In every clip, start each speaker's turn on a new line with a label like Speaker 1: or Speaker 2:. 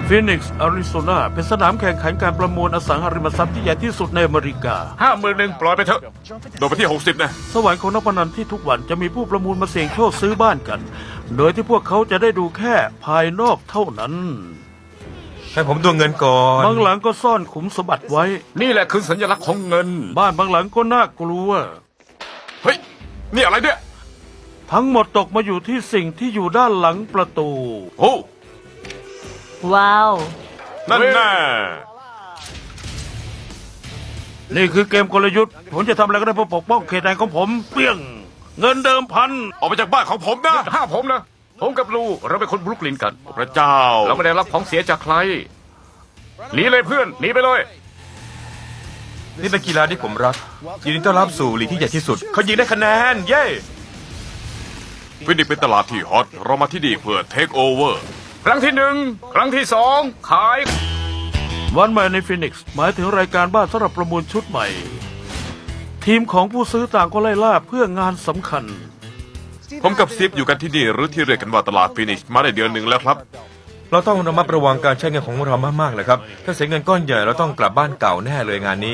Speaker 1: ฟีนิกซ์อาริโซนาเป็นสนามแข่งขันการประมูลอสังหาริมทรัพย์ที่ใหญ่ที่สุดในอเมริกา
Speaker 2: 51,000ปล่อยไปเถอะโดดไปที่60นะ
Speaker 1: สวรรค์ของนักพนันที่ทุกวันจะมีผู้ประมูลมาเสี่ยงโชคซื้อบ้านกัน โดยที่พวกเขาจะได้ดูแค่ภายนอกเท่านั้น
Speaker 3: ให้ผมดูเงินก่อน
Speaker 1: บางหลังก็ซ่อนขุมสมบัติไว้
Speaker 2: นี่แหละคือสัญลักษณ์ของเงิน
Speaker 1: บ้านบางหลังก็น่ากลัว
Speaker 2: เฮ้ยนี่อะไรเนี่ย
Speaker 1: ทั้งหมดตกมาอยู่ที่สิ่งที่อยู่ด้านหลังประตู
Speaker 2: โอ้
Speaker 4: ว้าว
Speaker 2: นั่นแน่
Speaker 1: นี่คือเกมกลยุทธ์ผมจะทำอะไรก็ได้เพื่อปกป้องเขตแดนของผมเปี้ยง เงินเดิมพัน
Speaker 2: ออกไปจากบ้านของผมนะ
Speaker 5: ห้าผมนะ ผมกับลูเราเป็นคนบรุกลินกัน
Speaker 2: พระเจ้า
Speaker 5: เราไม่ได้รับของเสียจากใคร หนีเลยเพื่อน หนีไปเลย
Speaker 3: นี่เป็นกีฬาที่ผมรักยินดีต้อนรับสู่ลีกที่ใหญ่ที่สุด เขายิงได้คะแนน เย้
Speaker 2: ฟินิกซ์เป็นตลาดที่ฮอตเรามาที่นี่เพื่อเทคโอเวอร์
Speaker 5: ครั้งที่ 1 ครั้งที่ 2 ขาย
Speaker 1: วันใหม่ในฟีนิกซ์หมายถึงรายการบ้านสำหรับประมูลชุดใหม่ ทีมของผู้ซื้อต่างก็ไล่ล่าเพื่องานสำคัญ
Speaker 2: ผมกับซิฟอยู่กันที่นี่หรือที่เรียกกันว่าตลาดฟินิกซ์มาได้เดือนหนึ่งแล้วครับ
Speaker 3: เราต้องระมัดระวังการใช้เงินของเรามากๆเลยครับ ถ้าเสียเงินก้อนใหญ่เราต้องกลับบ้านเก่าแน่เลยงานนี้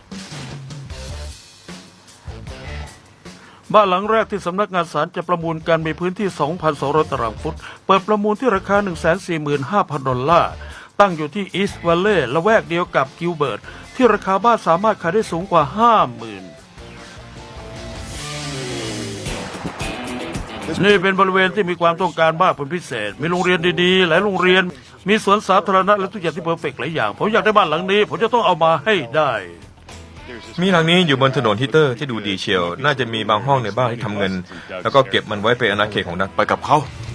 Speaker 1: บ้านหลังแรกที่สำนักงานศาลจะประมูลกันมีพื้นที่ 2,200 ตารางฟุต เปิดประมูลที่ราคา 145,000 ดอลลาร์ ตั้งอยู่ที่อีสต์วัลเลย์ละแวกเดียวกับกิลเบิร์ต ที่ราคาบ้านสามารถขายได้สูงกว่า 50,000 นี่เป็นบริเวณที่มีความต้องการมากเป็นพิเศษ มีโรงเรียนดีๆ หลายโรงเรียน มีสวนสาธารณะและทุกอย่างที่เพอร์เฟกต์หลายอย่าง ผมอยากได้บ้านหลังนี้ ผมจะต้องเอามาให้ได้
Speaker 3: มีหลังนี้อยู่บนถนนฮิตเตอร์ที่ดูดีเชียว น่าจะมีบางห้องในบ้านที่ทำเงิน แล้วก็เก็บมันไว้เป็นอาณาเขตของนัก
Speaker 2: ไปกับเขา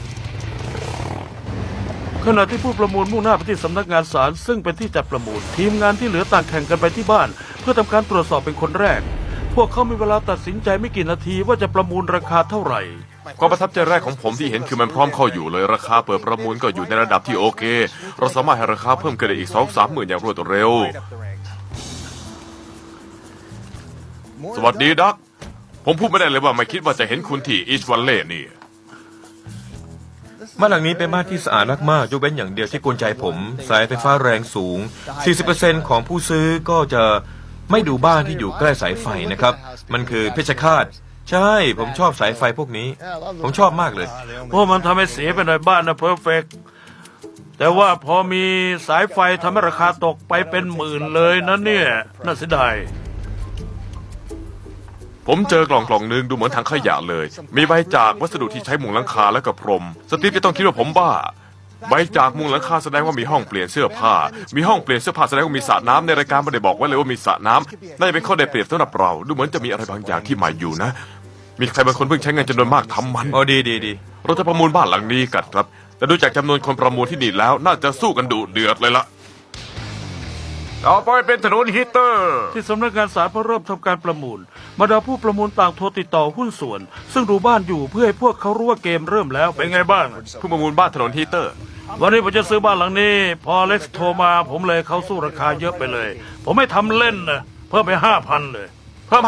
Speaker 1: ขณะที่ผู้ประมูลมุ่งหน้าไปที่สำนักงานศาลซึ่งเป็นที่จัดประมูล ทีมงานที่เหลือต่างแข่งกันไปที่บ้าน เพื่อทำการตรวจสอบเป็นคนแรก พวกเขามีเวลาตัดสินใจไม่กี่นาทีว่าจะประมูลราคาเท่าไหร่
Speaker 2: ความประทับใจแรกของผมที่เห็นคือมันพร้อมเข้าอยู่เลยราคาเปิดประมูลก็อยู่ในระดับที่โอเค เราสามารถให้ราคาเพิ่มขึ้นได้อีก 2-3 หมื่นอย่างรวดเร็ว สวัสดีดักผมพูดไม่ได้เลยว่าไม่คิดว่าจะเห็นคุณที่อีสต์วัลเลย์นี่
Speaker 3: บ้านหลังนี้เป็นบ้านที่สะอาดมากๆยกเว้นอย่างเดียวที่กวนใจผม สายไฟฟ้าแรงสูง 40% ของผู้ซื้อก็จะไม่ดูบ้านที่อยู่ใกล้สายไฟนะครับ มันคือเพชฌฆาต ใช่ ผมชอบสายไฟพวกนี้ ผมชอบมากเลย
Speaker 1: เพราะมันทำให้เสียไปหน่อยบ้านนะเพอร์เฟกแต่ว่าพอมีสายไฟทำให้ราคาตกไปเป็นหมื่นเลยนะเนี่ยน่าเสียดาย
Speaker 2: ผมเจอกล่องนึงดูเหมือนถังขยะเลย มีใบจากวัสดุที่ใช้มุงหลังคาและกับพรม สตีฟจะต้องคิดว่าผมบ้า ใบจากมุงหลังคาแสดงว่ามีห้องเปลี่ยนเสื้อผ้า มีห้องเปลี่ยนเสื้อผ้าแสดงว่ามีสระน้ำในรายการไม่ได้บอกไว้เลยว่ามีสระน้ำน่าจะเป็นข้อได้เปรียบสำหรับเรา ดูเหมือนจะมีอะไรบางอย่างที่ใหม่อยู่นะ มีใครบางคนเพิ่งใช้เงินจำนวนมากทำมัน
Speaker 3: โอ้ดีดี
Speaker 2: เราจะประมูลบ้านหลังนี้กันครับ แต่ดูจากจำนวนคนประมูลที่นี่แล้วน่าจะสู้กันดุเดือดเลยละ
Speaker 5: ต่อไปเป็นถนนฮีตเตอร์
Speaker 1: ที่สำนักงานศาลเพื่อเริ่มทำการประมูลบรรดาผู้ประมูลต่างโทรติดต่อหุ้นส่วน ซึ่งดูบ้านอยู่เพื่อให้พวกเขารู้ว่าเกมเริ่มแล้วเป็นไงบ้าง
Speaker 2: ผู้ประมูลบ้านถนนฮีเตอร์
Speaker 1: วันนี้ผมจะซื้อบ้านหลังนี้ พอเล็กซ์โทรมาผมเลยเขาสู้ราคาเยอะไปเลย ผมไม่ทำเล่นนะเพิ่มไป 5,000 เลย
Speaker 2: เพิ่ม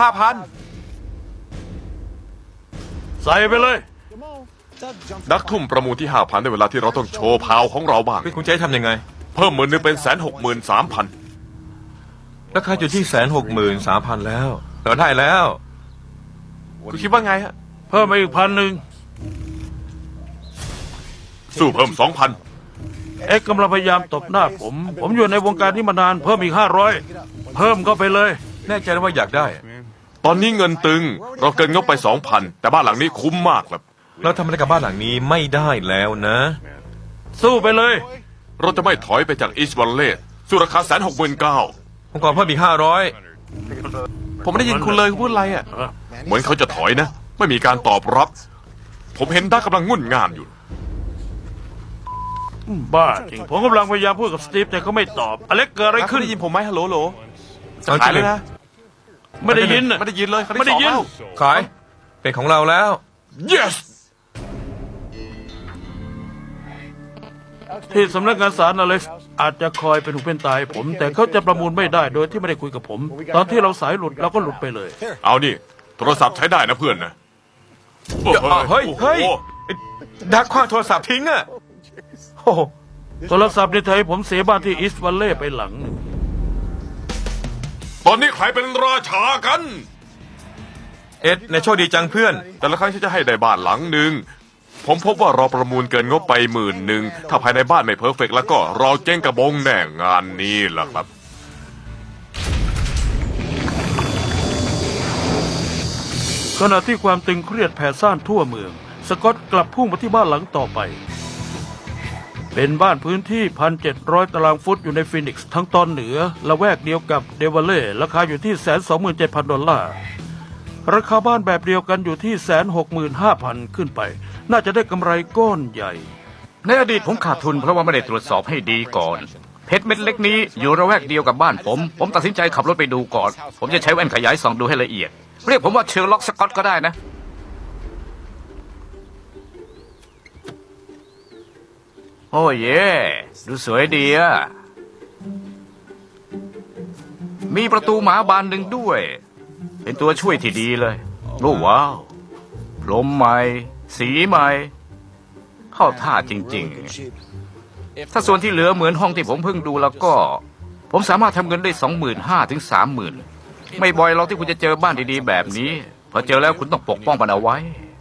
Speaker 1: ใส่ไปเลย
Speaker 2: 5,000ดักทุ่มประมูลที่ 5,000ในเวลาที่เราต้องโชว์พาวของเราบ้าง
Speaker 3: ๆคุณจะให้ทำยังไง
Speaker 2: เพิ่ม10,000เป็น163,000
Speaker 3: ราคาอยู่ที่163,000 แล้ว เราได้แล้ว
Speaker 2: คุณคิดว่าไงฮะ
Speaker 1: เพิ่มมาอีก1,000
Speaker 2: สู้เพิ่ม
Speaker 1: เอ็กซ์กำลังพยายามตบหน้าผมอยู่ในวงการนี้มานานเพิ่มอีก500เพิ่มก็ไปเลย
Speaker 3: แน่ใจว่าอยากได้
Speaker 2: 2,000 ตอนนี้เงินตึง เราเกินงบไป 2,000 แต่บ้านหลังนี้คุ้มมากครับ
Speaker 3: เราทำอะไรกับบ้านหลังนี้ไม่ได้แล้วนะ
Speaker 1: สู้ไปเลย
Speaker 2: เราจะไม่ถอยไปจากอีสต์วัลเลย์สู้ราคา169,000
Speaker 3: ผมขอเพิ่มอีก
Speaker 2: ผมไม่ได้ยินคุณเลยคุณพูดอะไรอ่ะ เหมือนเขาจะถอยนะ ไม่มีการตอบรับ ผมเห็นดักกำลังงุ่นง่านอยู่
Speaker 1: บ้าจริงผมกำลังพยายามพูดกับสตีฟแต่เขาไม่ตอบอเล็กเกิดอะไรขึ้น
Speaker 2: ได้ยินผมไหมฮัลโหลโหล
Speaker 3: จะขายเลยนะ
Speaker 1: ไม่ได้ยินน่ะ
Speaker 2: ไม่ได้ยินเลย
Speaker 1: ไม่ได้ยิน
Speaker 3: ขาย เป็นของเราแล้ว
Speaker 2: yes
Speaker 1: ที่สำนักงานศาลอเล็กซ์อาจจะคอยเป็นหูเป็นตายผม แต่เขาจะประมูลไม่ได้โดยที่ไม่ได้คุยกับผม ตอนที่เราสายหลุดเราก็หลุดไปเลย
Speaker 2: เอานี่โทรศัพท์ใช้ได้นะเพื่อนนะ
Speaker 3: เฮ้ย
Speaker 2: โอ้โห
Speaker 3: เฮ้ย ดักคว้างโทรศัพท์ทิ้งอ่ะโอ้โห
Speaker 1: โทรศัพท์ในไทยผมเสียบ้านที่อีสต์วัลเล่ไปหลังหนึ่ง
Speaker 2: ตอนนี้ใครเป็นราชากัน
Speaker 3: เอ็ดในโชคดีจังเพื่อน
Speaker 2: แต่ละครั้งที่จะให้ได้บ้านหลังหนึ่งผมพบว่าเราประมูลเกินงบไป10,000ถ้าภายในบ้านไม่เพอร์เฟกต์แล้วก็เราเจ๊งกระบงแน่งานนี้แหละครับ
Speaker 1: ขณะที่ความตึงเครียดแผ่ซ่านทั่วเมือง สกอตกลับพุ่งมาที่บ้านหลังต่อไป เป็นบ้านพื้นที่ 1,700 ตารางฟุตอยู่ในฟีนิกซ์ทั้งตอนเหนือละแวกเดียวกับเดวเล่ราคาอยู่ที่ $127,000 ราคาบ้านแบบเดียวกันอยู่ที่ 165,000 ขึ้นไป น่าจะได้กำไรก้อนใหญ่
Speaker 5: ในอดีตผมขาดทุนเพราะว่าไม่ได้ตรวจสอบให้ดีก่อน เพชรเม็ดเล็กนี้อยู่ระแวกเดียวกับบ้านผมตัดสินใจขับรถไปดูก่อน ผมจะใช้แว่นขยายส่องดูให้ละเอียด เรียกผมว่าเชอร์ล็อกสกอตก็ได้นะ โอ้เย่ดูสวยดีอะมีประตูหมาบานหนึ่งด้วย เป็นตัวช่วยที่ดีเลย โอ้ว้าวพรมใหม่ สีใหม่ เข้าท่าจริงๆ ถ้าส่วนที่เหลือเหมือนห้องที่ผมเพิ่งดูแล้วก็ ผมสามารถทำเงินได้25,000 ถึง 30,000 ไม่บ่อยหรอกที่คุณจะเจอบ้านดีๆแบบนี้ พอเจอแล้วคุณต้องปกป้องมันเอาไว้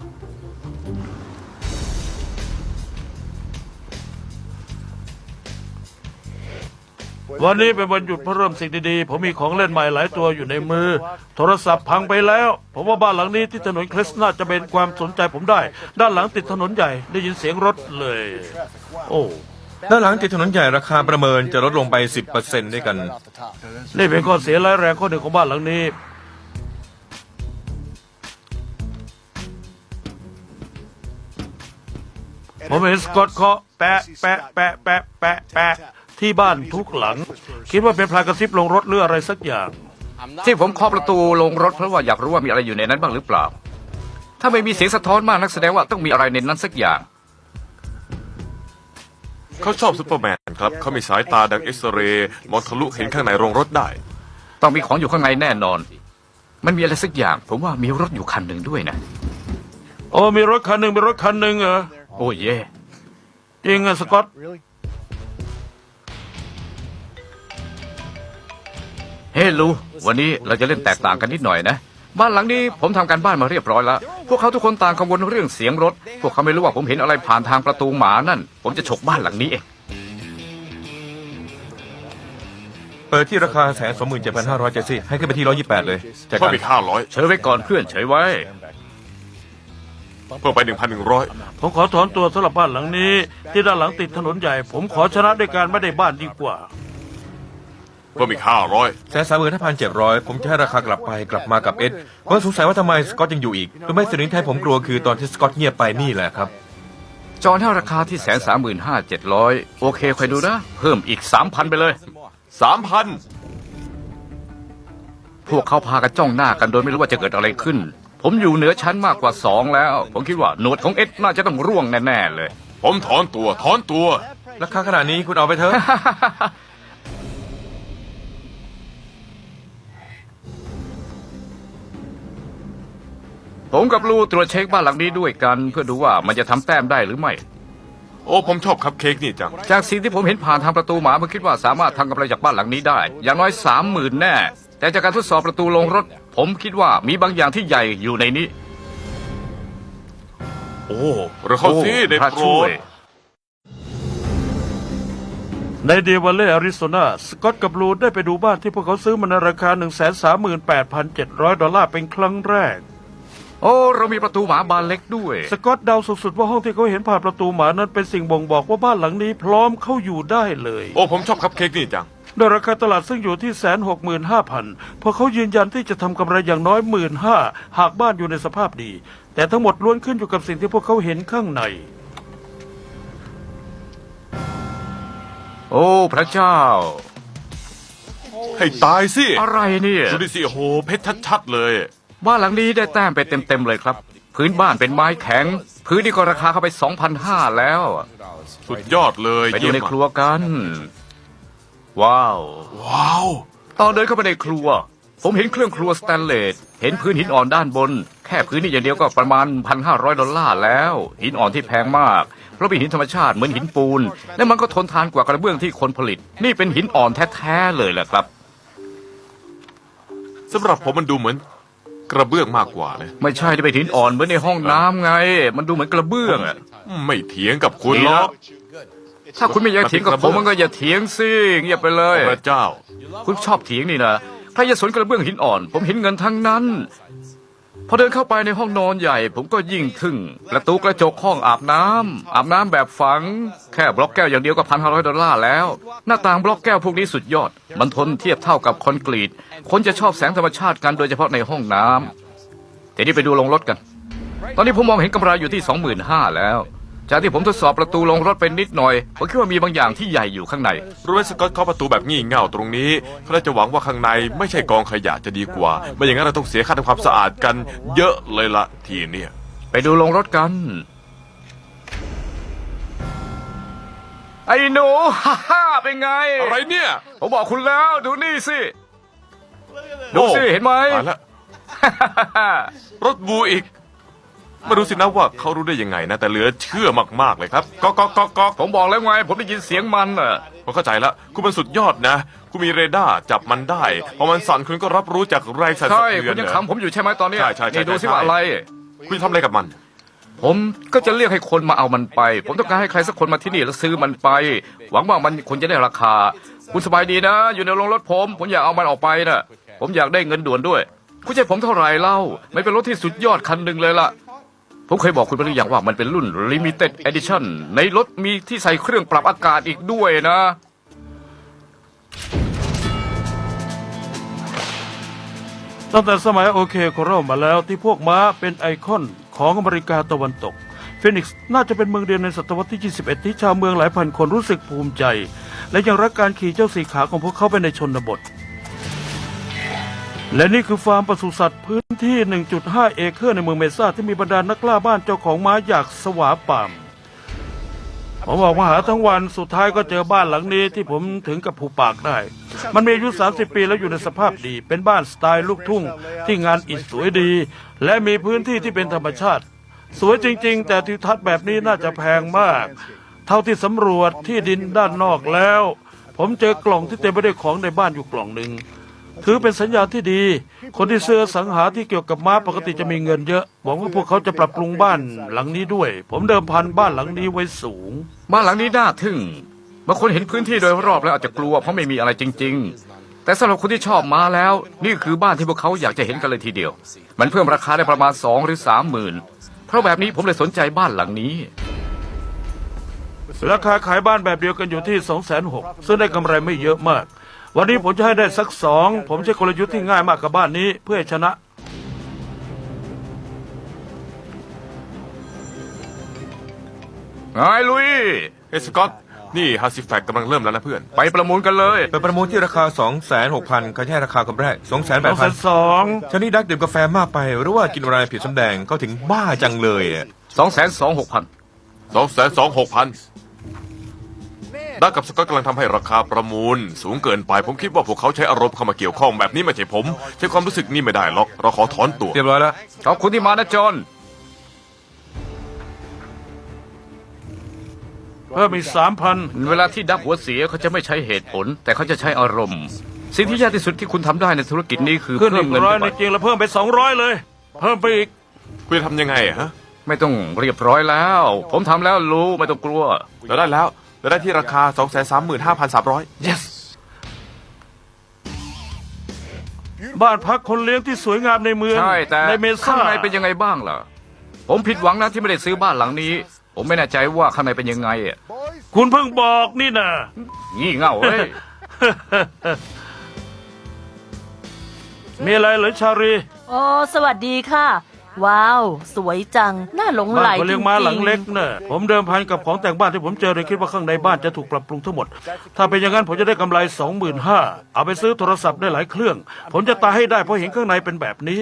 Speaker 1: วันนี้เป็นวันหยุดเพื่อเริ่มสิ่งดีๆ ผมมีของเล่นใหม่หลายตัวอยู่ในมือ โทรศัพท์พังไปแล้ว ผมว่าบ้านหลังนี้ที่ถนนคริสน่าจะเป็นความสนใจผมได้ ด้านหลังติดถนนใหญ่ได้ยินเสียงรถเลย โอ้
Speaker 3: ด้านหลังติดถนนใหญ่ราคาประเมินจะลดลงไป 10%ด้วยกัน
Speaker 1: นี่เป็นข้อเสียร้ายแรงข้อหนึ่งของบ้านหลังนี้ ผมเห็นสกอตเคาะแปะแปะแปะแปะแปะแปะที่บ้านทุกหลัง คิดว่าเป็นพลายกระซิบลงรถหรืออะไรสักอย่าง
Speaker 5: ที่ผมเคาะประตูลงรถเพราะว่าอยากรู้ว่ามีอะไรอยู่ในนั้นบ้างหรือเปล่า ถ้าไม่มีเสียงสะท้อนมากนักแสดงว่าต้องมีอะไรในนั้นสักอย่าง
Speaker 2: เขาชอบซูเปอร์แมนครับเขามีสายตาดังเอ็กซเรย์มองทะลุเห็นข้างในโรงรถได้
Speaker 5: ต้องมีของอยู่ข้างในแน่นอน มันมีอะไรสักอย่าง ผมว่ามีรถอยู่คันหนึ่งด้วยนะ
Speaker 1: โอ้มีรถคันหนึ่งมีรถคันหนึ่งเหรอ
Speaker 5: โอ้เย่
Speaker 1: จริงอะสกอต
Speaker 5: เฮ้ลูวันนี้เราจะเล่นแตกต่างกันนิดหน่อยนะ บ้านหลังนี้ผมทำการบ้านมาเรียบร้อยแล้ว พวกเขาทุกคนต่างกังวลเรื่องเสียงรถ พวกเขาไม่รู้ว่าผมเห็นอะไรผ่านทางประตูหมานั่น ผมจะฉกบ้านหลังนี้เอง
Speaker 3: เปิดที่ราคา127,500 เจสซี่ให้ขึ้นไปที่128เลยจาก
Speaker 2: เพิ่
Speaker 3: กั
Speaker 2: ม
Speaker 3: น
Speaker 2: อีก500
Speaker 5: เฉยไว้ก่อนเพื่อนเฉยไว้
Speaker 2: เพิ่มไป1,100
Speaker 1: ผมขอถอนตัวสำหรับบ้านหลังนี้ ที่ด้านหลังติดถนนใหญ่ ผมขอชนะด้วยการไม่ได้บ้านดีกว่า
Speaker 2: เพิ่มอีก500
Speaker 3: 135,700 ผมจะให้ราคากลับมากับเอ็ดผมสงสัยว่าทำไมสกอตยังอยู่อีกรู้ไหมสิ่งที่ให้ผมกลัวคือตอนที่สกอตเงียบไปนี่แหละครับ
Speaker 5: จอนให้ราคาที่135,700 โอเคคอยดูนะ เพิ่มอีก 3,000 ไปเลย
Speaker 2: 3,000
Speaker 5: พวกเขาพากันจ้องหน้ากันโดยไม่รู้ว่าจะเกิดอะไรขึ้น ผมอยู่เหนือชั้นมากกว่า2แล้ว ผมคิดว่าหนวดของเอ็ดน่าจะต้องร่วงแน่ๆเลย
Speaker 2: ผมถอนตัว
Speaker 3: ราคาขนาดนี้คุณเอาไปเถอะ
Speaker 5: ผมกับลูตรวจเช็คบ้านหลังนี้ด้วยกันเพื่อดูว่ามันจะทำแต้มได้หรือไม่
Speaker 2: โอ้ผมชอบคัพเค้กนี่จัง
Speaker 5: จากสิ่งที่ผมเห็นผ่านทางประตูหมาผมคิดว่าสามารถทำกำไรจากบ้านหลังนี้ได้ อย่างน้อย 30,000 แน่ แต่จากการทดสอบประตูลงรถ ผมคิดว่ามีบางอย่างที่ใหญ่อยู่ในนี้
Speaker 2: โอ้เราเข้าซี่ได้
Speaker 5: พระ
Speaker 2: โปร
Speaker 5: ช่ว
Speaker 2: ด
Speaker 5: ย
Speaker 1: ในเดวเล่อาริโซนาสกอตกับบลูได้ไปดูบ้านที่พวกเขาซื้อมาในราคา $138,700 เป็นครั้งแรก
Speaker 5: โอ้เรามีประตูหมาบานเล็กด้วย
Speaker 1: สกอตเดาสุดๆว่าห้องที่เขาเห็นผ่านประตูหมานั้นเป็นสิ่งบ่งบอกว่าบ้านหลังนี้พร้อมเข้าอยู่ได้เลย
Speaker 2: โอ้ผมชอบคัพเค้กนี่จัง
Speaker 1: โดยราคาตลาดซึ่งอยู่ที่165,000พวกเขายืนยันที่จะทำกำไรอย่างน้อย15,000หากบ้านอยู่ในสภาพดี แต่ทั้งหมดล้วนขึ้นอยู่กับสิ่งที่พวกเขาเห็นข้างใน
Speaker 5: โอ้พระเจ้า
Speaker 2: ให้ตายสิ
Speaker 5: อะไรเนี่ย
Speaker 2: ดูดิสิโอ้โหเพชรชัดๆเลย
Speaker 5: บ้านหลังนี้ได้แต้มไปเต็มๆเลยครับ พื้นบ้านเป็นไม้แข็ง พื้นนี่ก็ราคาเข้าไป 2,500 แล้ว
Speaker 2: สุดยอดเลย
Speaker 5: ไปดูใน
Speaker 2: เยี่ยม
Speaker 5: ครัวกัน ว้าว
Speaker 2: ว้าว
Speaker 5: ตอนเดินเข้าไปในครัว ผมเห็นเครื่องครัวสแตนเลส เห็นพื้นหินอ่อนด้านบน แค่พื้นนี่อย่างเดียวก็ประมาณ$1,500 แล้ว หินอ่อนที่แพงมาก เพราะเป็นหินธรรมชาติเหมือนหินปูน และมันก็ทนทานกว่ากระเบื้องที่คนผลิต นี่เป็นหินอ่อนแท้ๆเลยแหละครับ
Speaker 2: สำหรับผมมันดูเหมือนกระเบื้องมากกว่านะ
Speaker 5: ไม่ใช่ที่เป็นหินอ่อนเหมือนในห้องน้ำไง มันดูเหมือนกระเบื้องอะ
Speaker 2: ไม่เถียงกับคุณหรอก
Speaker 5: ถ้าคุณไม่อยากเถียงกับผมมันก็อย่าเถียงสิเงียบไปเลย
Speaker 2: พระเจ้า
Speaker 5: คุณชอบเถียงนี่นะใครจะสนกระเบื้องหินอ่อน ผมเห็นเงินทั้งนั้น พอเดินเข้าไปในห้องนอนใหญ่ ผมก็ยิ่งทึ่งประตูกระจกห้องอาบน้ำแบบฝัง แค่บล็อกแก้วอย่างเดียวก็$1,500แล้ว หน้าต่างบล็อกแก้วพวกนี้สุดยอด มันทนเทียบเท่ากับคอนกรีต คนจะชอบแสงธรรมชาติกันโดยเฉพาะในห้องน้ำทีนี้ไปดูโรงรถกัน ตอนนี้ผมมองเห็นกำไรอยู่ที่25,000แล้ว จากที่ผมทดสอบประตูโรงรถเป็นนิดหน่อยผมคิดว่ามีบางอย่างที่ใหญ่อยู่ข้างใน
Speaker 2: รู้ไหมสกอตเคาะประตูแบบงี่เง่าตรงนี้เขาน่าจะหวังว่าข้างในไม่ใช่กองขยะจะดีกว่าไม่อย่างนั้นเราต้องเสียค่าทำความสะอาดกันเยอะเลยละทีเนี่ย
Speaker 5: ไปดูโรงรถกัน ไอ้หนู ฮ่าเป็นไง
Speaker 2: อะไรเนี่ย
Speaker 5: ผมบอกคุณแล้วดูนี่สิ ดูสิเห็นไหม
Speaker 2: ตายแล้วรถบูอีกไม่รู้สินะว่าเขารู้ได้ยังไงนะแต่เหลือเชื่อมากๆเลยครับก๊อก
Speaker 5: ผมบอกแล้วไง ผมได้ยินเสียงมันอ่ะ
Speaker 2: ผมเข้าใจแล้วคุณเป็นสุดยอดนะ คุณมีเรดาร์จับมันได้พอมันสั่นคุณก็รับรู้จากแรงสั่นสะ
Speaker 5: ใช่
Speaker 2: เทื
Speaker 5: คุ
Speaker 2: อน
Speaker 5: ณยัง
Speaker 2: เหรอ
Speaker 5: ขำผมอยู่ใช่ไหมตอนเนี้ย
Speaker 2: ใช่
Speaker 5: นี่ดูสิ
Speaker 2: ใช่
Speaker 5: ว่าอะไร
Speaker 2: คุณจะทำอะไรกับมัน
Speaker 5: ผมก็จะเรียกให้คนมาเอามันไป ผมต้องการให้ใครสักคนมาที่นี่แล้วซื้อมันไป หวังว่ามันควรจะได้ราคา คุณสบายดีนะ อยู่ในโรงรถผมอยากเอามันออกไปนะผมอยากได้เงินด่วนด้วย คุณจะให้ผมเท่าไหร่เล่า ไม่เป็นรถที่สุดยอดคันหนึ่งเลยล่ะ ผมเคยบอกคุณไปหรือยังว่ามันเป็นรุ่น Limited Edition ในรถมีที่ใส่เครื่องปรับอากาศอีกด้วยนะ
Speaker 1: ตั้งแต่สมัยโอเคโคโรมาแล้วที่พวกม้าเป็นไอคอนของอเมริกาตะวันตกฟินิกซ์น่าจะเป็นเมืองเดียวในศตวรรษที่ 21 ที่ชาวเมืองหลายพันคนรู้สึกภูมิใจ และยังรักการขี่เจ้าสีขาของพวกเขาไปในชนบท และนี่คือฟาร์มปศุสัตว์พื้นที่ 1.5 เอเคอร์ในเมืองเมซ่าที่มีบรรดานักล่าบ้านเจ้าของม้าอยากสวาป่ามผมออกมาหาทั้งวันสุดท้ายก็เจอบ้านหลังนี้ที่ผมถึงกับผูปากได้ มันมีอายุ 30 ปีแล้วอยู่ในสภาพดี เป็นบ้านสไตล์ลูกทุ่งที่งานอิฐสวยดี และมีพื้นที่ที่เป็นธรรมชาติ สวยจริงๆ แต่ทิวทัศน์แบบนี้น่าจะแพงมาก เท่าที่สำรวจที่ดินด้านนอกแล้ว ผมเจอกล่องที่เต็มไปด้วยของในบ้านอยู่กล่องหนึ่งถือเป็นสัญญาณที่ดี คนที่ซื้อสังหาที่เกี่ยวกับม้าปกติจะมีเงินเยอะหวังว่าพวกเขาจะปรับปรุงบ้านหลังนี้ด้วย ผมเดิมพันบ้านหลังนี้ไว้สูง
Speaker 5: บ้านหลังนี้น่าทึ่งบางคนเห็นพื้นที่โดยรอบแล้วอาจจะกลัวเพราะไม่มีอะไรจริง ๆ แต่สำหรับคนที่ชอบม้าแล้ว นี่คือบ้านที่พวกเขาอยากจะเห็นกันเลยทีเดียว มันเพิ่มราคาได้ประมาณ2 หรือ 3 หมื่นเพราะแบบนี้ผมเลยสนใจบ้านหลังนี้
Speaker 1: ราคาขายบ้านแบบเดียวกันอยู่ที่ 260,000 ซึ่งได้กำไรไม่เยอะมาก วันนี้ผมจะให้ได้สัก 2ผมใช้กลยุทธ์ที่ง่ายมากกับบ้านนี้เพื่อให้ชนะ
Speaker 5: ไงลุย
Speaker 2: เฮ้ยสกอตนี่ฮัสซิแฟกกำลังเริ่มแล้วนะเพื่อน
Speaker 5: ไปประมูลกันเลย
Speaker 3: ไปประมูลที่ราคา 26,000เขาให้ราคาคำแรก 28,000
Speaker 1: 2,200,000
Speaker 3: ชานี่ดักดื่มกาแฟมากไป หรือว่ากินอะไรผิดสำแดงเขาถึงบ้าจังเลยอะ
Speaker 5: 226,000
Speaker 2: 226,000ดักกับสกอตกำลังทำให้ราคาประมูล สูงเกินไป ผมคิดว่าพวกเขาใช้อารมณ์เข้ามาเกี่ยวข้องแบบนี้ไม่ใช่ผม ใช้ความรู้สึกนี่ไม่ได้หรอก เราขอถอนตัว
Speaker 3: เรียบร้อยแล้ว
Speaker 5: ขอบคุณที่มานะจอน
Speaker 1: เพิ่มอีก 3,000
Speaker 5: เวลาที่ดับหัวเสียเขาจะไม่ใช้เหตุผล แต่เขาจะใช้อารมณ์ สิ่งที่ยากที่สุดที่คุณทำได้ในธุรกิจนี้คือ
Speaker 1: ขึ้น
Speaker 5: เพิ่
Speaker 1: อี
Speaker 5: ม
Speaker 1: ก
Speaker 5: เงิน
Speaker 1: ร้อย
Speaker 5: เข้า
Speaker 1: ใน
Speaker 5: ไป
Speaker 1: จริงแล้วเพิ่มไป200เลย เพิ่มไปอีก
Speaker 2: คุณจะทำยังไงอะฮะ
Speaker 5: ไม่ต้องเรียบร้อยแล้ว ผมทำแล้วรู้ไม่ต้องกลัว
Speaker 2: เราได้แล้วเราได้ที่ราคา 235,300
Speaker 5: yes
Speaker 1: บ้านพักคนเลี้ยงที่สวยงามในเมือง
Speaker 5: ใช่แต่
Speaker 1: ในเม
Speaker 5: ข้า
Speaker 1: ซ่าง
Speaker 5: ในเป็นยังไงบ้างล่ะ ผมผิดหวังนะที่ไม่ได้ซื้อบ้านหลังนี้ ผมไม่แน่ใจว่าข้างในเป็นยังไงอะ
Speaker 1: คุณเพิ่งบอกนี่นะ
Speaker 5: งี่เง่าเว้ย
Speaker 1: มีอะไรเหรอชารี
Speaker 4: โอ้สวัสดีค่ะ ว้าว สวยจัง น่าหลงไหล
Speaker 1: บ้านคน
Speaker 4: จ
Speaker 1: เลี้
Speaker 4: ริ
Speaker 1: ยง
Speaker 4: ง
Speaker 1: ม้าหลัง
Speaker 4: ๆ
Speaker 1: เล็กเนอะผมเดิมพันกับของแต่งบ้านที่ผมเจอเลยคิดว่าข้างในบ้านจะถูกปรับปรุงทั้งหมด ถ้าเป็นอย่างนั้นผมจะได้กำไร 25,000เอาไปซื้อโทรศัพท์ได้หลายเครื่อง ผมจะตายให้ได้เพราะเห็นข้างในเป็นแบบนี้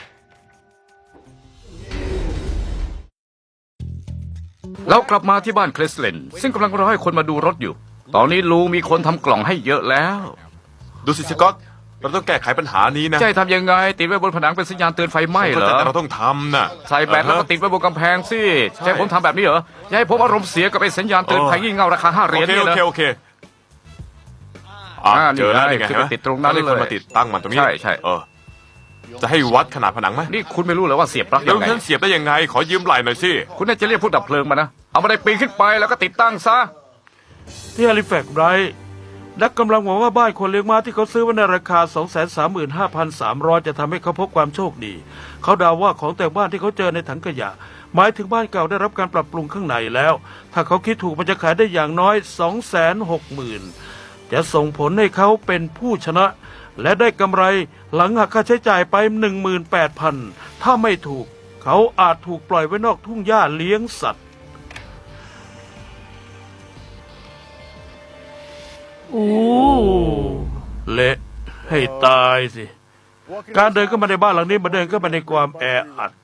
Speaker 5: แล้วกลับมาที่บ้านเคลสเลนซึ่งกำลังรอให้คนมาดูรถอยู่ ตอนนี้ลุงมีคนทำกล่องให้เยอะแล้ว
Speaker 2: ดูสิสกอตเราต้องแก้ไขปัญหานี้นะ
Speaker 5: จะให้ทำยังไง ติดไว้บนผนังเป็นสัญญาณเตือนไฟไหม้เหรอ
Speaker 2: แต่เราต้องทำน่ะ
Speaker 5: ใส่แบตแล้วก็ติดไว้บนกำแพงสิจะให้ผมทำแบบนี้เหรอจะให้ผมอารมณ์เสียกับไอ้สัญญาณเตือนภัยงี่เง่าราคา5 เหรียญ
Speaker 2: โอเค
Speaker 5: เนี่ย
Speaker 2: โอ
Speaker 5: นะ
Speaker 2: เคโอเคอ่ะ
Speaker 5: อ่า
Speaker 2: เจอแล้ว
Speaker 5: นี่
Speaker 2: นี่ไง
Speaker 5: คือ
Speaker 2: เห็นไหม
Speaker 5: ติดตรงนั้น
Speaker 2: แล้วมีคน
Speaker 5: เลย
Speaker 2: มาติดตั้งมันตรงนี้
Speaker 5: ใช่ใช่
Speaker 2: จะให้วัดขนาดผนังไหม
Speaker 5: นี่คุณไม่รู้เหรอว่าเสียบปลั๊ก
Speaker 2: เดี๋ย
Speaker 5: ยั
Speaker 2: ว
Speaker 5: งไง
Speaker 2: ฉันเสียบได้ยังไง ขอยืมไหล่หน่อยสิ
Speaker 5: คุณน่าจะเรียกผู้ดับเพลิงมานะเอามาได้ปีนขึ้นไปแล้วก็ติดตั้งซะ
Speaker 1: ที่ฮาลิแฟกซ์ไรท์นักกำลังหวังว่าบ้านคนเลี้ยงม้าที่เขาซื้อไว้ในราคา 235,300 จะทำให้เขาพบความโชคดี เขาเดาว่าของแต่งบ้านที่เขาเจอในถังขยะ หมายถึงบ้านเก่าได้รับการปรับปรุงข้างในแล้ว ถ้าเขาคิดถูกมันจะขายได้อย่างน้อย 260,000 จะส่งผลให้เขาเป็นผู้ชนะ และได้กำไรหลังหักค่าใช้จ่ายไป 18,000 ถ้าไม่ถูก เขาอาจถูกปล่อยไว้นอกทุ่งหญ้าเลี้ยงสัตว์อู้เละให้ตายสิ การเดินเข้ามาในบ้านหลังนี้มาเดินเข้ามาในความแออัด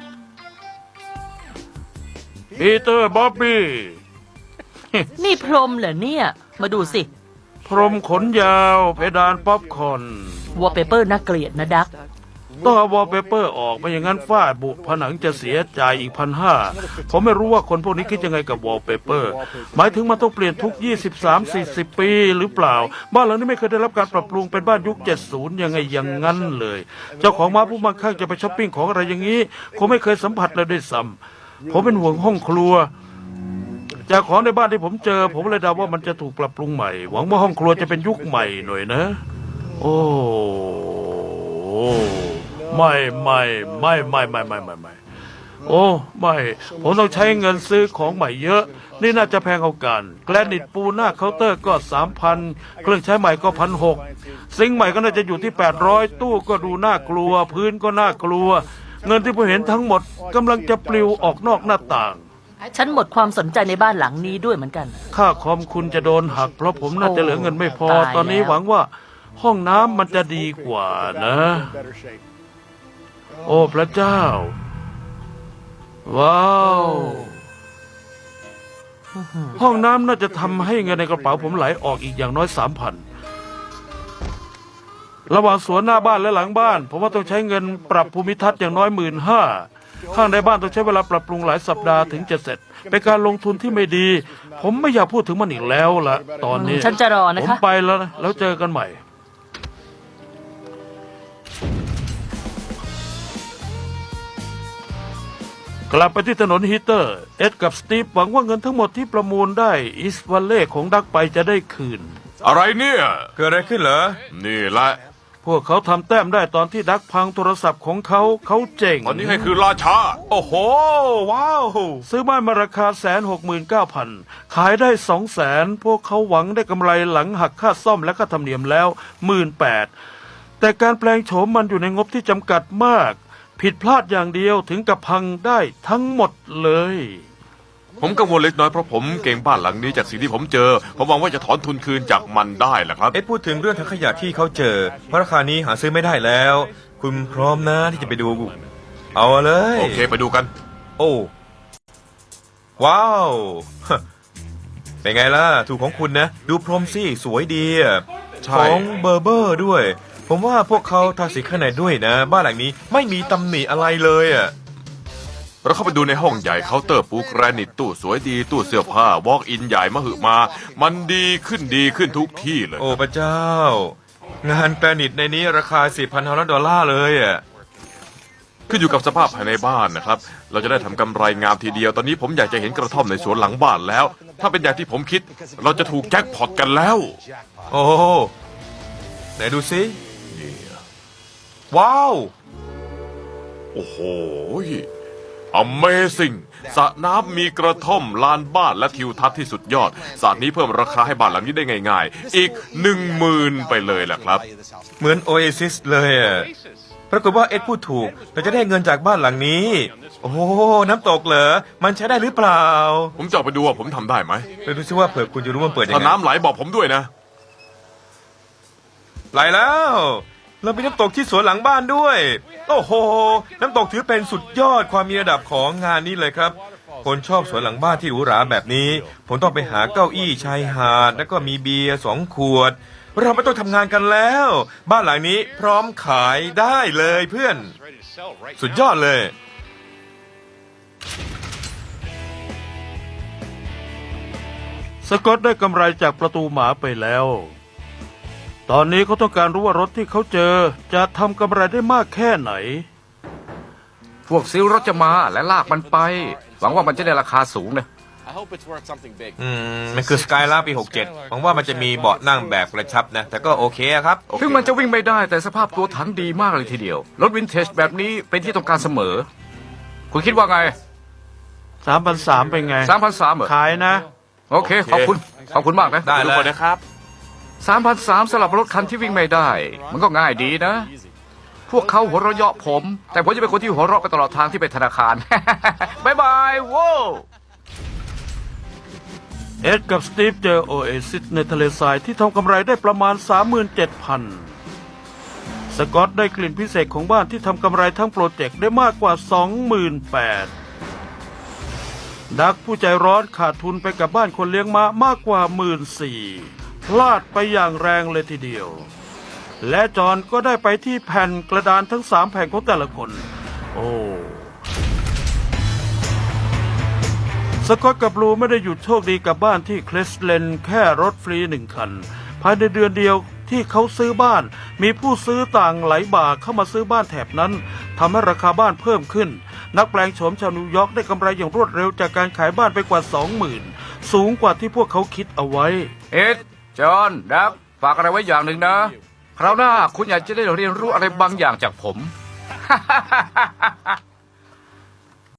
Speaker 1: ปีเตอร์บ๊อบบี้
Speaker 4: นี่พรมเหรอเนี่ย มาดูสิ
Speaker 1: พรมขนยาว เพดานป๊อปคอร์น
Speaker 4: วอลเปเปอร์น่าเกลียดนะดัก
Speaker 1: ต้องเอาวอลเปเปอร์ออกไม่อย่างนั้นฝ้าบุผนังจะเสียใจายอีก1,500ผมไม่รู้ว่าคนพวกนี้คิดยังไงกับวอลเปเปอร์หมายถึงมันต้องเปลี่ยนทุก 23-40 ปีหรือเปล่า บ้านหลังนี้ไม่เคยได้รับการปรับปรุงเป็นบ้านยุค 70 ยังไงอย่างนั้นเลย เจ้าของม้าผู้มั่งคั่งจะไปช้อปปิ้งของอะไรอย่างนี้คงไม่เคยสัมผัสเลยด้วยซ้ำผมเป็นห่วงห้องครัว จากของในบ้านที่ผมเจอ ผมเลยเดาว่ามันจะถูกปรับปรุงใหม่ หวังว่าห้องครัวจะเป็นยุคใหม่หน่อยนะ โอ้ไม่โอ้ไม่ผมต้องใช้เงินซื้อของใหม่เยอะ นี่น่าจะแพงเอากันแกรนิตปูหน้าเคาน์เตอร์ก็ 3,000 เครื่องใช้ใหม่ก็ 1,600 ซิงค์ใหม่ก็น่าจะอยู่ที่ 800 ตู้ก็ดูน่ากลัว พื้นก็น่ากลัว เงินที่ผมเห็นทั้งหมดกำลังจะปลิวออกนอกหน้าต่าง
Speaker 4: ฉันหมดความสนใจในบ้านหลังนี้ด้วยเหมือนกัน
Speaker 1: ค่าคอมคุณจะโดนหักเพราะผมน่าจะเหลือเงินไม่พอ
Speaker 4: ตายแล้ว
Speaker 1: ตอนนี้หวังว่าห้องน้ำมันจะดีกว่านะ โอ้พระเจ้า ว้าว ห้องน้ำน่าจะทำให้เงินในกระเป๋าผมไหลออกอีกอย่างน้อย 3,000 ระหว่างสวนหน้าบ้านและหลังบ้าน ผมว่าต้องใช้เงินปรับภูมิทัศน์อย่างน้อย 15,000 ข้างในบ้านต้องใช้เวลาปรับปรุงหลายสัปดาห์ถึงจะเสร็จ เป็นการลงทุนที่ไม่ดี ผมไม่อยากพูดถึงมันอีกแล้วล่ะ ตอนนี้
Speaker 4: ฉันจะรอนะ
Speaker 1: ผม
Speaker 4: คะ
Speaker 1: ไปแล้วนะแล้วเจอกันใหม่ กลับไปที่ถนนฮีเตอร์ เอ็ดกับสตีฟหวังว่าเงินทั้งหมดที่ประมูลได้อิสวัลเล่ของดักไปจะได้คืน
Speaker 2: อะไรเนี่ย
Speaker 3: เกิดอะไรขึ้นเหรอ
Speaker 2: นี่แหละ
Speaker 1: พวกเขาทำแต้มได้ตอนที่ดักพังโทรศัพท์ของเขาเจ๋ง
Speaker 2: ตอนนี้ให้คือราชา
Speaker 3: โอ้โห ว้าว
Speaker 1: ซื้อบ้านมาราคา169,000 ขายได้200,000 พวกเขาหวังได้กำไรหลังหักค่าซ่อมและค่าธรรมเนียมแล้ว 18,000 แต่การแปลงโฉมมันอยู่ในงบที่จำกัดมาก ผิดพลาดอย่างเดียวถึงกับพังได้ทั้งหมดเลย
Speaker 2: ผมกังวลเล็กน้อยเพราะผมเก่งบ้านหลังนี้จากสิ่งที่ผมเจอ ผมหวังว่าจะถอนทุนคืนจากมันได้แหละครับ
Speaker 3: เอ็ดพูดถึงเรื่องถังขยะที่เขาเจอ เพราะราคานี้หาซื้อไม่ได้แล้ว คุณพร้อมนะที่จะไปดู เอาเลย
Speaker 2: โอเคไปดูกัน
Speaker 3: โอ้ ว้าว เป็นไงล่ะ ถูกของคุณนะ ดูพรมสิสวยดีอะ
Speaker 2: ใช่
Speaker 3: ของเบอร์เบอร์ด้วย ผมว่าพวกเขาทาสีข้างในด้วยนะ บ้านหลังนี้ไม่มีตำหนิอะไรเลยอ่ะ
Speaker 2: เราเข้าไปดูในห้องใหญ่เคาน์เตอร์ปูแกรนิตตู้สวยดีตู้เสื้อผ้าวอล์กอินใหญ่มหึมา มันดีขึ้นทุกที่เลย
Speaker 3: โอ้พระเจ้า งานแกรนิตในนี้ราคา $4,500 เลยอ่ะ
Speaker 2: ขึ้นอยู่กับสภาพภายในบ้านนะครับ เราจะได้ทำกำไรงามทีเดียว ตอนนี้ผมอยากจะเห็นกระท่อมในสวนหลังบ้านแล้ว ถ้าเป็นอย่างที่ผมคิด เราจะถูกแจ็คพอตกันแล้ว
Speaker 3: โอ้ไหนดูสิว้าว
Speaker 2: โอ้โห Amazing สระน้ำมีกระท่อมลานบ้านและทิวทัศน์ที่สุดยอดสระนี้เพิ่มราคาให้บ้านหลังนี้ได้ง่ายๆ อีก 10,000 ไปเลยแหละครับ
Speaker 3: เหมือนโอเอซิสเลยอ่ะปรากฏว่าเอ็ดพูดถูก เราจะได้เงินจากบ้านหลังนี้ โอ้โหน้ำตกเหรอ มันใช้ได้หรือเปล่า
Speaker 2: ผมจะออกไปดูว่าผมทำได้ไหม
Speaker 3: ไปดูซิว่าเผื่อคุณจะรู้ว่ามันเปิดยัง
Speaker 2: ถ้า
Speaker 3: ไง
Speaker 2: น้ำไหลบอกผมด้วยนะ
Speaker 3: ไหลแล้ว เรามีน้ำตกที่สวนหลังบ้านด้วย โอ้โห น้ำตกถือเป็นสุดยอดความมีระดับของงานนี้เลยครับ คนชอบสวนหลังบ้านที่หรูหราแบบนี้ ผมต้องไปหาเก้าอี้ชายหาดแล้วก็มีเบียร์2 ขวดเราไม่ต้องทำงานกันแล้ว บ้านหลังนี้พร้อมขายได้เลยเพื่อน สุดยอดเลย
Speaker 1: สกอตได้กำไรจากประตูหมาไปแล้ว ตอนนี้เขาต้องการรู้ว่ารถที่เขาเจอจะทำกำไรได้มากแค่ไหน
Speaker 5: พวกซิลรถจะมาและลากมันไป หวังว่ามันจะได้ราคาสูงนะ
Speaker 3: มันคือสกายล่าปี 67 หวังว่ามันจะมีเบาะนั่งแบบกระชับนะ แต่ก็โอเคอะครับโอเค
Speaker 5: ถึงมันจะวิ่งไม่ได้แต่สภาพตัวถังดีมากเลยทีเดียว รถวินเทจแบบนี้เป็นที่ต้องการเสมอ คุณคิดว่าไง
Speaker 1: 3,300เป็นไง
Speaker 5: 3,300เหรอ
Speaker 1: ขายนะ
Speaker 5: โอเค ขอบคุณมากนะ
Speaker 3: ได้
Speaker 2: ทุ
Speaker 3: เล
Speaker 2: กค
Speaker 3: ย
Speaker 2: นนะครับ
Speaker 5: 3,300สำหรับรถคันที่วิ่งไม่ได้ มันก็ง่ายดีนะ พวกเขาหัวเราะเยาะผม แต่ผมจะเป็นคนที่หัวเราะไปตลอดทางที่ไปธนาคาร บ๊ายบายโว้ว
Speaker 1: เอ็ดกับสตีฟเจอโอเอซิสในทะเลทรายที่ทำกำไรได้ประมาณ 37,000 สกอตได้กลิ่นพิเศษของบ้านที่ทำกำไรทั้งโปรเจกต์ได้มากกว่า 28,000 ดักผู้ใจร้อนขาดทุนไปกับบ้านคนเลี้ยงม้ามากกว่า 14,000 พลาดไปอย่างแรงเลยทีเดียว และจอห์นก็ได้ไปที่แผ่นกระดานทั้ง 3 แผ่นของแต่ละคน โอ้สกอตกับบลูไม่ได้หยุดโชคดีกับบ้านที่เคลสเลนแค่รถฟรี1 คัน ภายในเดือนเดียวที่เขาซื้อบ้าน มีผู้ซื้อต่างไหลบ่าเข้ามาซื้อบ้านแถบนั้นทำให้ราคาบ้านเพิ่มขึ้น นักแปลงโฉมชาวนิวยอร์กได้กำไรอย่างรวดเร็วจากการขายบ้านไปกว่า 20,000 สูงกว่าที่พวกเขาคิดเอาไว้
Speaker 5: เอ็ด จอห์น ดัก ฝากอะไรไว้อย่างหนึ่งนะ คราวหน้าคุณอยากจะได้เรียนรู้อะไรบางอย่างจากผม